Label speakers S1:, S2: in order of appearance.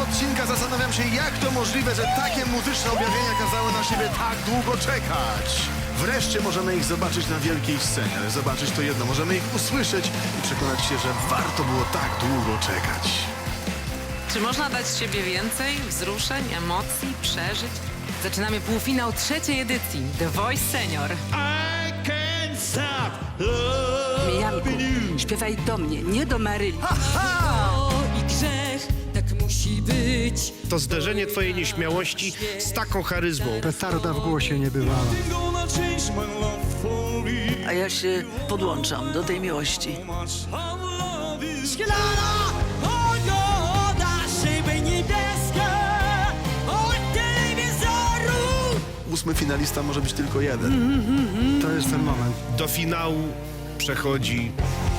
S1: odcinka zastanawiam się, jak to możliwe, że takie muzyczne objawienia kazały na siebie tak długo czekać. Wreszcie możemy ich zobaczyć na wielkiej scenie, ale zobaczyć to jedno, możemy ich usłyszeć i przekonać się, że warto było tak długo czekać.
S2: Czy można dać z siebie więcej wzruszeń, emocji, przeżyć? Zaczynamy półfinał trzeciej edycji The Voice Senior.
S3: Janku, śpiewaj do mnie, nie do Maryli.
S4: I grzech, tak musi być.
S5: To zderzenie twojej nieśmiałości z taką charyzmą.
S6: Petarda w głosie nie bywała.
S7: A ja się podłączam do tej miłości.
S4: Szklana pogoda, szyby niebieskie, od telewizoru.
S1: 8. finalista może być tylko jeden.
S6: To jest ten moment.
S5: Do finału przechodzi